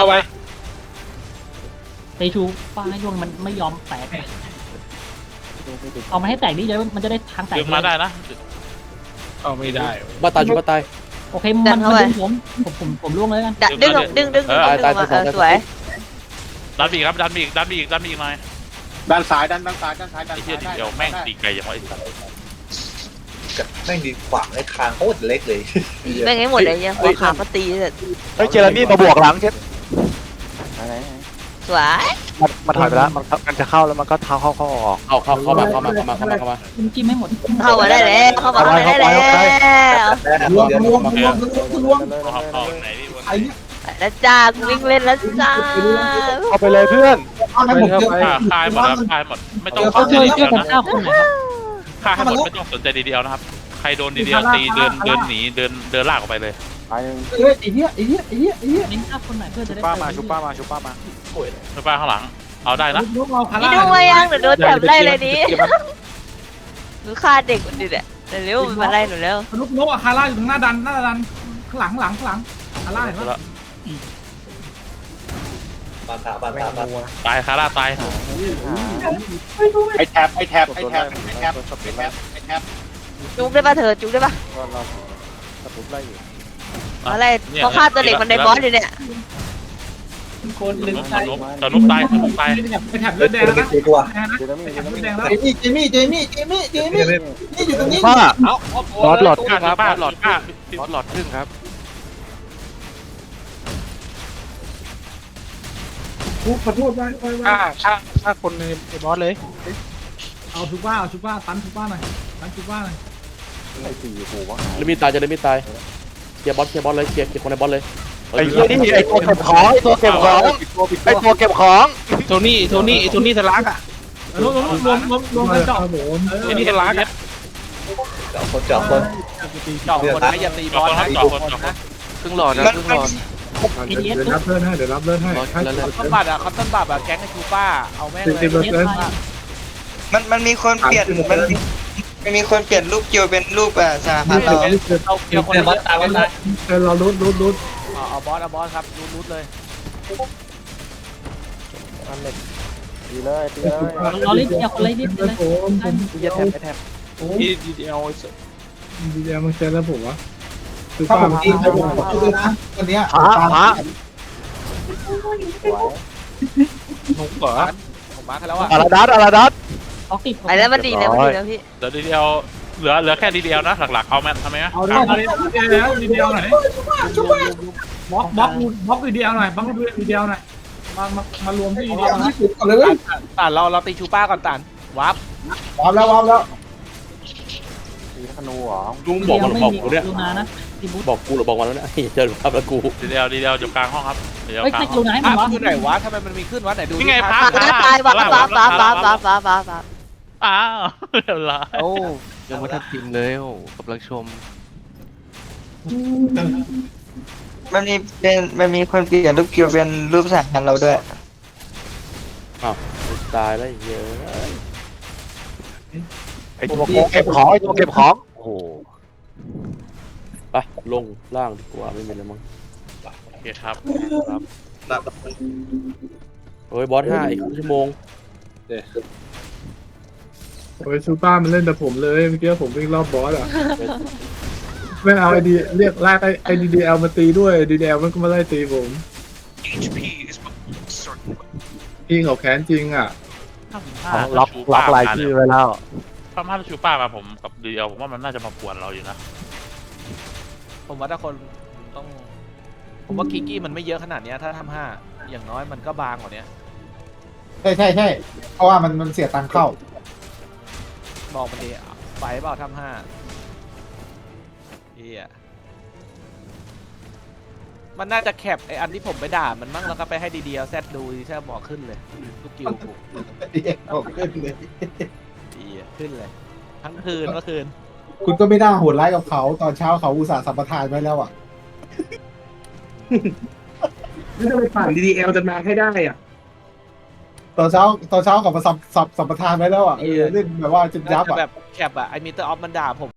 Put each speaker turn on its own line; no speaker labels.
ไว้
ตีชูฟ้าให้ยวงมันไม่ยอมแตกเอามาให้แตกดิเดี๋ยวมันจะได้ทางแตก
ดึงมาได้นะ
เอาไม่ได้
บ้าตายชุบบ้าตาย
โอเคมันดึงผมล่วงเลยกัน
ดึงมาสวย
ดันบีครับดันบีอีกหน่อย
ด้านซ้ายด้านซ้ายด้าน
ไอ้
ซ้าย
เหี้ยเดี๋ยวแม่งตีไกลอย่างไรสัตว์
แม่งดีขวางในคางโคตรเล็กเลย
แม่งให้หมดเลยยังหัวขาก็ตีเลย
เฮ้ยเจอร์มี่มาบวกหลังเช็ด
สวย
มันถอยไปแล้วมันจะเข้าแล้วมันก็เท้าเข้าออก
เข้ามา
จิ้มให้หมด
เข้ามาได้แล้วเข้ามาได้แล้ว
รวม
เอาไหนพี่บน
แล้วจ้าวิ่งเล่นแล้วจ้า
เข้าไปเลยเพื่อน
คายหมดแล้วคายหมดไม่ต้อง
เขา
สนใจ
ช่วย
ดี
กัน
เดียวนะ
เก้าคนนะครับ
คายให้หมดไม่ต้องสนใจดีเดียวนะครับใครโดนดีเดียวตีเดินหนีเดินลากออกไปเลย
ไอ้เหี้ย
เน้นเก้าคนไหนเพื่อจะได้
ชุบป้ามา
ช่วยป้าข้างหลังเอาได้นะ
นี่ดูมายังเดี๋ยวโดนจับไล่เลยนี้หนูฆ่าเด็กคนนี้แหละเร็วมาไล่หนูแล้ว
นกอะคาร่าอยู่ตรงหน้าดันข้างหลังคาร่าเห็นไหม
บานตา
ตายคาร่าตาย
ไอ้แท็บ
จุกได้ป่ะเธอจุกได้ป่ะอะไรเขาฆ่าตัวเด็กมันในบอสเลยเนี่ย
คนลืมใจ
ตนุบตาย
ไอ้แถบเลือดแดงแล้วนะ
ตีตัว
แดงนะไอ้แถบเลือดแดงแล้ว
เจมี่นี่อยู่ตรงนี้
ป้า
บอสหลอดครับบอสหลอดก้า
บอสหลอดครึ่งครับ
ขอโทษไว้
ฆ่าคนในบอสเลย
เอาชูป้าตันชูป้าหน่อย
เลมิตายจะเลมิตายเคลียร์บอสเลยเคลียร์คนในบอสเลย
ไอ้เหี้ยนี่ไอ้ตัวเก็บของไอ้ตัวเก็บของ
โทนี่ทะลักอ่ะรวมกันเจาะไอ้นี่ทะลักอ่ะ
เจาะคน
เจาะคนนะอย่าตีบอลนะ
จ่อคน
ครึ่งหลอดนะครึ่งหลอด
เอเดียส
เดี๋ยวรับเลิศให้
คัตต้นบัตรอะแก๊งไอ้ชูป้าเอาแม่งเลย
มันมีคนเปลี่ยนมันมีคนเปลี่ยนรูปคิวเป็นรูปสหพันธ์เรา
เอาเกี่ยวคนบอสตาย
เราลุ้น
เอาบอสครับรูดเลย
เราเล่นเดียวคนเล่นนิดเลย
ดีเดียว
ดีแล้วมันเจอแล้วผมวะคือป้าผมตีให้ผมดูนะวันนี้
ผมมาแล้วอ่ะ
อาราดัส
ออกติด
ไปแล้วมันดีแล้วพี่
เดี๋ยวดีเดียวเหลือแค่ดีเดียวนะหลักๆเอาแมทำไหม
เอาได้แล้วดีเดียวหน่อยบล็อกดีเดียวหน่อยบล็อกดีเดียวหน่อยมารวมที่ดีเดียวนะต่านเราตีชูป้าก่อนต่านวับ
วามแล้ว
ลุงบอกกูเนี่ย
ลูนานะทีบุ๊
บอกกูหรือบอกมันแล้วเนี่ยเจอครับแล้วกู
ดีเดียวอยู่กลางห้องครับเดี๋ยว
เฮ้ย
กลาง
ไม่
ห้
ลู
อง
นาให้
พ
มันวะ
ระคือไหนวะทำไมมันมีขึ้นวะไหนดู
นี่ไงพระ
ตายว้า
อ้าวเดี๋ยวละ
โอ้ยังไม่ทันกินเลยโอ้กำลังชม
มันมีคนเปลี่ยนรูปคิวเป็นรูปสหพันธ์เราด้วย
ตายแล้วเยอะ
ไอ้ตัวเก็บของโอ้โห
ไปลงล่างดีกว่าไม่มีอะไรมั้ง
โอเคครับ
เฮ้ยบอส5อีกชั่วโมง
โอ้ยซูป้ามันเล่นแต่ผมเลยเมื่อกี้ผมวิ่งรอบบอสอ่ะไม่เอาไอดีเรียกลากไอดีเอลมาตีด้วยดีเอลมันก็มาไล่ตีผมพี่เขาแค้นจริงอ่ะ
ล็อกลายชื่อไว้แล้ว
ถ้าชูป้ามาผมกับดีเดียวผมว่ามันน่าจะมาป่วนเราอยู่นะ
ผมว่าถ้าคนต้องผมว่าคิกกี้มันไม่เยอะขนาดนี้ถ้าทำ5อย่างน้อยมันก็บางกว่านี้
ใช่เพราะว่ามันเสียตังค์เข้า
บอกมันดีไฟเปล่าทำ5มันน่าจะแคปไออันที่ผมไปด่ามันมั่งแล้วก็ไปให้ดีๆแซดดูแซดบอกขึ้นเลยลูกกิวกู
ขึ้นเลย
ขึ้นเลยทั้งคืนเมื่อคืน
คุณก็ไม่น่าโหดร้ายกับเขาตอนเช้าเขาอุตส่าห์สัมปทานไว้แล้วอ่ะไม่ต้องไปปั่นดีเอลจะมาให้ได้อ่ะตอนเช้ากับมาสัมปทานไว้แล้วอ่ะเล่นแบบว่าจุดยับอ่ะ
แบบแคปอะไอมิเตอร์ออฟมันด่าผม